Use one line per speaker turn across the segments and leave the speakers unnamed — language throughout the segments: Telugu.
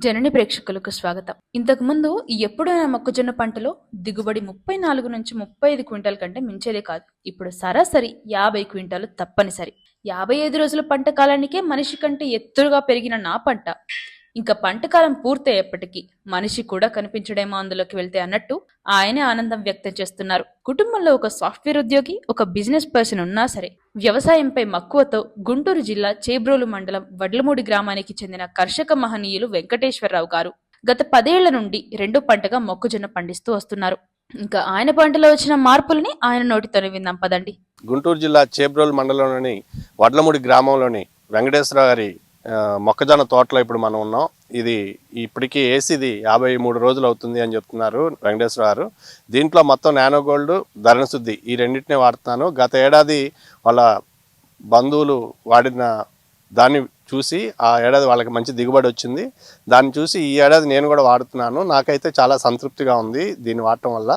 జనని ప్రేక్షకులకు స్వాగతం. ఇంతకు ముందు ఎప్పుడైనా మొక్కజొన్న పంటలో దిగుబడి 34 నుంచి 35 క్వింటాల కంటే మించేదే కాదు. ఇప్పుడు సరాసరి 50 క్వింటాలు తప్పనిసరి. 55 రోజుల పంట కాలానికే మనిషి కంటే ఎత్తుగా పెరిగిన నా పంట ఇంకా పంట కాలం పూర్తయ్యేప్పటికీ మనిషి కూడా కనిపించడేమో అందులోకి వెళ్తే అన్నట్టు ఆయనే ఆనందం వ్యక్తం చేస్తున్నారు. కుటుంబంలో ఒక సాఫ్ట్వేర్ ఉద్యోగి, ఒక బిజినెస్ పర్సన్ ఉన్నా సరే వ్యవసాయంపై మక్కువతో గుంటూరు జిల్లా చేబ్రోలు మండలం వడ్లమూడి గ్రామానికి చెందిన కర్షక మహనీయులు వెంకటేశ్వరరావు గారు గత 10 ఏళ్ల నుండి రెండో పంటగా మొక్కజొన్న పండిస్తూ వస్తున్నారు. ఇంకా ఆయన పంటలో వచ్చిన మార్పులని ఆయన నోటితోనే విందాం పదండి.
గుంటూరు జిల్లా చేబ్రోలు మండలంలోని వడ్లమూడి గ్రామంలోని వెంకటేశ్వరరావు గారి మొక్కజొన్న తోటలో ఇప్పుడు మనం ఉన్నాం. ఇది ఇప్పటికీ వేసిది 53 రోజులు అవుతుంది అని చెప్తున్నారు వెంకటేశ్వర గారు. దీంట్లో మొత్తం నానో గోల్డ్, ధరణ శుద్ధి ఈ రెండింటినే వాడుతున్నాను. గత ఏడాది వాళ్ళ బంధువులు వాడిన దాన్ని చూసి ఆ ఏడాది వాళ్ళకి మంచి దిగుబడి వచ్చింది. దాన్ని చూసి ఈ ఏడాది నేను కూడా వాడుతున్నాను. నాకైతే చాలా సంతృప్తిగా ఉంది దీన్ని వాడటం వల్ల.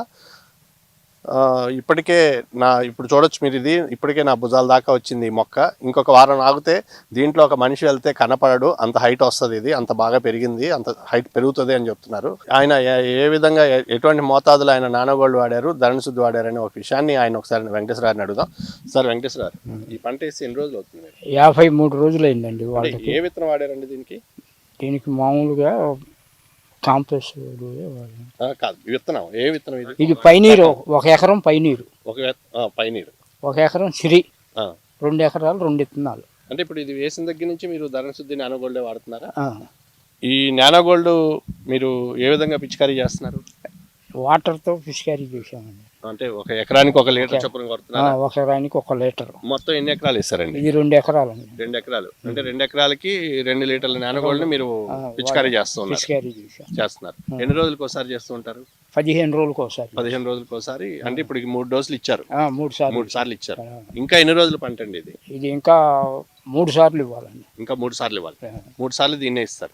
ఇప్పటికే ఇప్పుడు చూడొచ్చు మీరు, ఇది ఇప్పటికే నా భుజాల దాకా వచ్చింది ఈ మొక్క. ఇంకొక వారం ఆగితే దీంట్లో ఒక మనిషి వెళ్తే కనపడడు, అంత హైట్ వస్తుంది. ఇది అంత బాగా పెరిగింది, అంత హైట్ పెరుగుతుంది అని చెప్తున్నారు. ఆయన ఏ విధంగా ఎటువంటి మోతాదులో ఆయన నానోగోల్డ్ వాడారు, ధరణ శుద్ధి వాడారు అనే ఒక విషయాన్ని ఆయన ఒకసారి వెంకటేశ్వర గారిని అడుగుదాం. సార్ వెంకటేశ్వర గారు, ఈ పంట వేసి ఎన్ని రోజులు అవుతుంది?
53 రోజులు అయిందండి.
ఏ విత్తనం వాడారండి
దీనికి మామూలుగా కాంప్లెక్స్
కాదు, విత్తనం ఏ విత్తనం
ఇది పైనీరు. 1 ఎకరం పైనీరు,
పైనీరు
1 ఎకరం సిరి, 2 ఎకరాలు 2 విత్తనాలు.
అంటే ఇప్పుడు ఇది వేసిన దగ్గర నుంచి మీరు ధరణ శుద్ధి నానోగోల్డే వాడుతున్నారా? ఈ నానోగోల్డ్ మీరు ఏ విధంగా పిచికారీ చేస్తున్నారు?
వాటర్తో పిచికారీ చేసామండి.
అంటే 1 ఎకరానికి 1 లీటర్ చొప్పున కొడుతున్నారు?
1 ఎకరానికి 1 లీటర్.
మొత్తం ఎన్ని ఎకరాలు ఇస్తారండి?
ఇది 2 ఎకరాలు అండి.
2 ఎకరాలు అంటే 2 ఎకరాలకి 2 లీటర్ల నానోగోల్డ్ మీరు పిచికారీ చేస్తున్నారు. ఎన్ని రోజులకు ఒకసారి చేస్తూ ఉంటారు?
15 రోజులకు ఒకసారి.
15 రోజులకు ఒకసారి. అంటే ఇప్పుడు 3 డోసులు ఇచ్చారు? 3 సార్లు ఇచ్చారు. ఇంకా ఎన్ని రోజులు పంట అండి ఇది?
ఇది ఇంకా 3 సార్లు ఇవ్వాలండి.
ఇంకా 3 సార్లు ఇవ్వాలి. 3 సార్లు దీన్నే ఇస్తారు.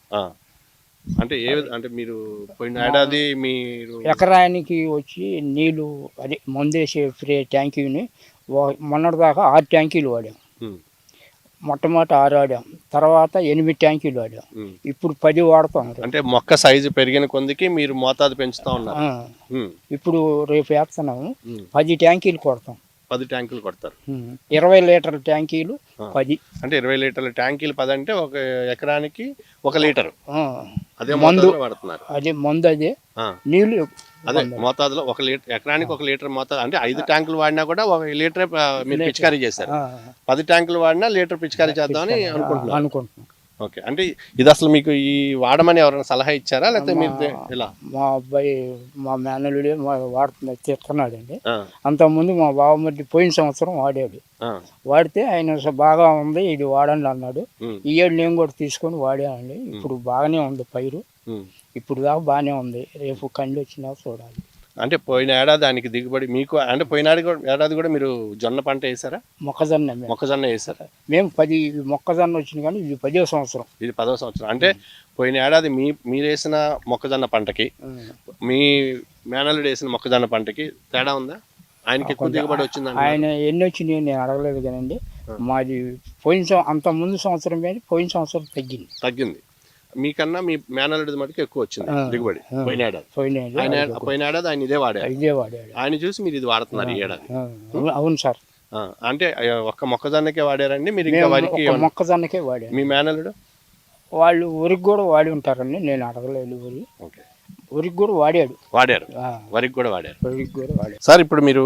అంటే అంటే మీరు పోయిన ఏడాది మీరు
ఎకరానికి వచ్చి నీళ్లు అదే మందేసే స్ప్రే ట్యాంకీని మొన్నటిదాకా 6 ట్యాంకీలు వాడాం. మొట్టమొదటి 6 వాడాం, తర్వాత 8 ట్యాంకీలు వాడాం, ఇప్పుడు 10 వాడుతాం.
అంటే మొక్క సైజు పెరిగిన కొందికి మీరు మోతాదు పెంచుతా ఉన్నారు.
ఇప్పుడు రేపు వేస్తున్నాము, 10 ట్యాంకీలు కొడతాం.
10 ట్యాంకులు కొడతారు.
20 లీటర్ల ట్యాంకీలు 10.
అంటే 20 లీటర్ల ట్యాంకీలు 10 అంటే 1 ఎకరానికి 1 లీటర్. అదే
మందు
వాడుతున్నారు.
అదే మందు, అదే నీళ్లు
అదే మోతాదులో 1 లీటర్, ఎకరానికి 1 లీటర్ మోతాదు. అంటే 5 ట్యాంకులు వాడినా కూడా 1 లీటర్ మీరు పిచికారీ చేశారు. 10 ట్యాంకులు వాడినా లీటర్ పిచికారీ చేద్దామని అనుకుంటున్నాను. ఓకే. అంటే ఇది అసలు మీకు ఈ వాడమని ఎవరైనా సలహా ఇచ్చారా, లేకపోతే మీరు ఇలా?
మా అబ్బాయి, మా మేనల్లుడే తిడుతున్నాడండి. అంతకుముందు మా బావమర్ది పోయిన సంవత్సరం వాడాడు. వాడితే ఆయన బాగా ఉంది, ఇది వాడండి అన్నాడు. ఈ ఏడు నేను కూడా తీసుకొని వాడానండి. ఇప్పుడు బాగానే ఉంది పైరు, ఇప్పుడు దాకా బాగానే ఉంది. రేపు కండి వచ్చినా చూడాలి.
అంటే పోయిన ఏడాది దానికి దిగుబడి మీకు, అంటే పోయిన ఏడాది కూడా మీరు జొన్న పంట వేసారా? మొక్కజొన్న వేసారా?
మేము 10 మొక్కజొన్న వచ్చింది, కానీ ఇది 10వ సంవత్సరం.
ఇది 10వ సంవత్సరం. అంటే పోయిన ఏడాది మీరు వేసిన మొక్కజొన్న పంటకి మీ మేనల్లుడు వేసిన మొక్కజొన్న పంటకి తేడా ఉందా? ఆయనకి ఎక్కువ దిగుబడి వచ్చిందా?
ఆయన ఎన్ని వచ్చినాయి నేను అడగలేదు కానండి. మాది పోయిన అంత ముందు సంవత్సరం కానీ పోయిన సంవత్సరం తగ్గింది. మీకన్నా మీ మేనల్లుడి మటుకు ఎక్కువ వచ్చింది దిగుబడి పోయిన ఏడాది. పోయిన ఏడాది ఆయన ఇదే వాడాడు. ఆయన చూసి మీరు ఇది వాడుతున్నారు ఈ ఏడాది? అవును సార్.
అంటే 1 మొక్కజొన్నకే వాడారండి మీరు? ఇంకా వారికి
మొక్కజొన్నకే వాడారు.
మీ మేనల్లుడు
వాళ్ళు వరికి కూడా వాడి ఉంటారండి, నేను అడగలేదు. వరికి కూడా వాడారు.
వరికి కూడా వాడారు. సార్, ఇప్పుడు మీరు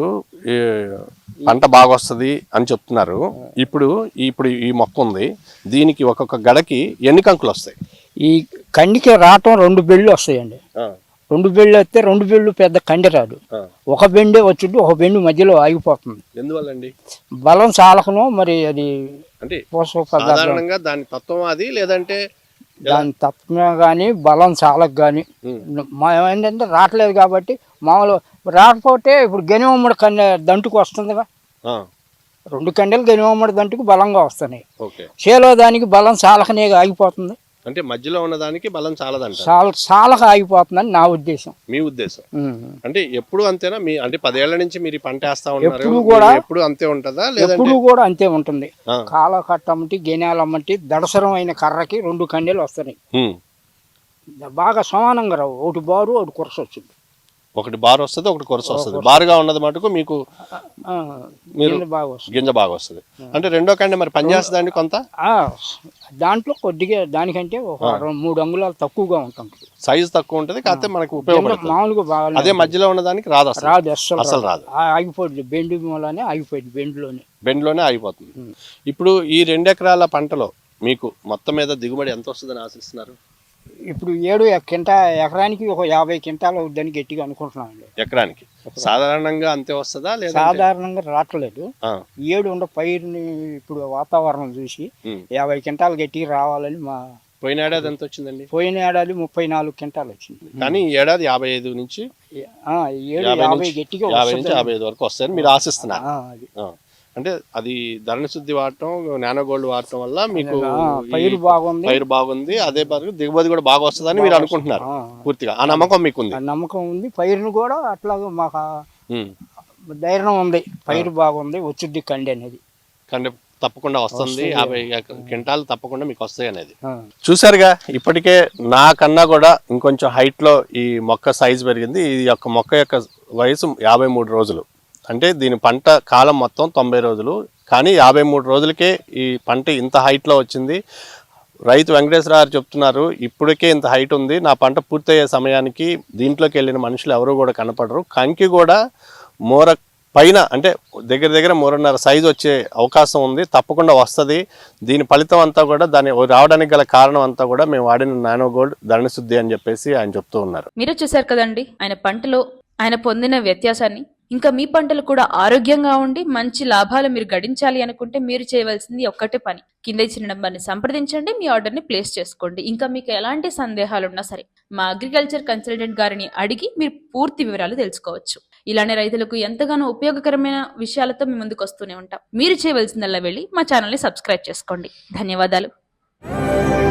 పంట బాగా వస్తుంది అని చెప్తున్నారు. ఇప్పుడు ఈ మొక్క ఉంది, దీనికి ఒక్కొక్క గడకి ఎన్ని కంకులు వస్తాయి?
ఈ కండికి రావటం 2 బెళ్ళు వస్తాయండి. 2 బెళ్ళు వస్తే 2 బెళ్ళు పెద్ద కండి రాదు. 1 బెండే వచ్చుంటే 1 బెండు మధ్యలో ఆగిపోతుంది.
ఎందువల్లండి?
బలం చాలకను మరి అది
అంటే సాధారణంగా దాని తత్వం అది, లేదంటే
దాని తత్వమే కానీ బలం చాలకు కానీ ఏంటంటే రావట్లేదు కాబట్టి. మామూలు రాకపోతే ఇప్పుడు గనివమ్మడి దంటుకు వస్తుందిగా, 2 కండెలు గనివమ్మడి దంటుకు బలంగా వస్తున్నాయి. చేలో దానికి బలం చాలకనే ఆగిపోతుంది.
అంటే మధ్యలో ఉన్న దానికి బలం చాలదంట,
చాలా ఆగిపోతుందని నా ఉద్దేశం.
మీ ఉద్దేశం? అంటే ఎప్పుడు అంతేనా? మీ అంటే 10 ఏళ్ల నుంచి మీరు పంట వేస్తా ఉన్నారు, ఎప్పుడు అంతే ఉంటుందా?
ఎప్పుడు కూడా అంతే ఉంటుంది. కాల కట్టమ్మటి, గెనాలమ్మటి, దడసరం అయిన కర్రకి 2 కండెలు వస్తున్నాయి. బాగా సమానంగా రావు, ఒకటి బారు ఒకటి కొరస వచ్చింది.
ఒకటి బార్ వస్తుంది, ఒకటి కొరస వస్తుంది. బారుగా ఉన్నది మటుకు మీకు మీరు
బాగా వస్తుంది,
గింజ బాగా వస్తుంది. అంటే రెండో కంటే మరి పనిచేస్తుందండి కొంత.
దాంట్లో కొద్దిగా దానికంటే ఒక 3 అంగుళాలు తక్కువగా ఉంటుంది,
సైజు తక్కువ ఉంటుంది, కాకపోతే మనకు ఉపయోగపడుతుంది.
మామూలుగా బాగా
అదే మధ్యలో ఉన్నదానికి రాదు, అసలు రాదు,
ఆగిపోతుంది. బెండు మూలనే ఆగిపోయింది,
బెండ్లోనే ఆగిపోతుంది. ఇప్పుడు ఈ 2 ఎకరాల పంటలో మీకు మొత్తం మీద దిగుబడి ఎంత వస్తుందని ఆశిస్తున్నారు?
ఇప్పుడు ఎకరానికి ఒక 50 క్వింటాలు అవుద్దని గట్టిగా అనుకుంటున్నామండి.
ఎకరానికి సాధారణంగా అంతే వస్తుందా లేదా?
సాధారణంగా రావట్లేదు. ఉండే పైరుని ఇప్పుడు వాతావరణం చూసి 50 క్వింటాలు గట్టిగా రావాలని మా.
పోయిన ఏడాది ఎంత వచ్చిందండి?
పోయిన ఏడాది 34 క్వింటాలు వచ్చింది,
కానీ ఈ ఏడాది 55 నుంచి
50 గట్టిగా
50 నుంచి 55 వరకు వస్తాయని మీరు ఆశిస్తున్నారు. అంటే అది ధరణి శుద్ధి వాడటం, నానో గోల్డ్ వాడటం వల్ల మీకు
పైరు
బాగుంది, అదే దిగుబడి కూడా బాగా వస్తుందని మీరు అనుకుంటున్నారు. పూర్తిగా ఆ నమ్మకం మీకు ఉంది?
నమ్మకం ఉంది. పైరును కూడా అట్లాగా మాకు ధైర్యం ఉంది, పైరు బాగుంది, వచ్చింది కండి అనేది.
కండి తప్పకుండా వస్తుంది, 50 క్వింటాలు తప్పకుండా మీకు వస్తాయి అనేది. చూసారుగా, ఇప్పటికే నాకన్నా కూడా ఇంకొంచెం హైట్ లో ఈ మొక్క సైజు పెరిగింది. ఈ యొక్క మొక్క యొక్క వయసు 53 రోజులు. అంటే దీని పంట కాలం మొత్తం 90 రోజులు, కానీ 53 రోజులకే ఈ పంట ఇంత హైట్లో వచ్చింది. రైతు వెంకటేశ్వర గారు చెప్తున్నారు, ఇప్పటికే ఇంత హైట్ ఉంది, నా పంట పూర్తయ్యే సమయానికి దీంట్లోకి వెళ్ళిన మనుషులు ఎవరు కూడా కనపడరు. కంకి కూడా మోర పైన అంటే దగ్గర 3.5 సైజు వచ్చే అవకాశం ఉంది, తప్పకుండా వస్తుంది. దీని ఫలితం అంతా కూడా, దాన్ని రావడానికి గల కారణం అంతా కూడా మేము వాడిన నానో గోల్డ్ ధరణి శుద్ధి అని చెప్పేసి ఆయన చెప్తూ ఉన్నారు.
మీరు చూశారు కదండి ఆయన పంటలో ఆయన పొందిన వ్యత్యాసాన్ని. ఇంకా మీ పంటలు కూడా ఆరోగ్యంగా ఉండి మంచి లాభాలు మీరు గడించాలి అనుకుంటే మీరు చేయవలసింది ఒక్కటే పని, కింద ఇచ్చిన నెంబర్ని సంప్రదించండి, మీ ఆర్డర్ని ప్లేస్ చేసుకోండి. ఇంకా మీకు ఎలాంటి సందేహాలు ఉన్నా సరే మా అగ్రికల్చర్ కన్సల్టెంట్ గారిని అడిగి మీరు పూర్తి వివరాలు తెలుసుకోవచ్చు. ఇలానే రైతులకు ఎంతగానో ఉపయోగకరమైన విషయాలతో మీ ముందుకు వస్తూనే ఉంటాం. మీరు చేయవలసిందల్లా వెళ్ళి మా ఛానల్ని సబ్స్క్రైబ్ చేసుకోండి. ధన్యవాదాలు.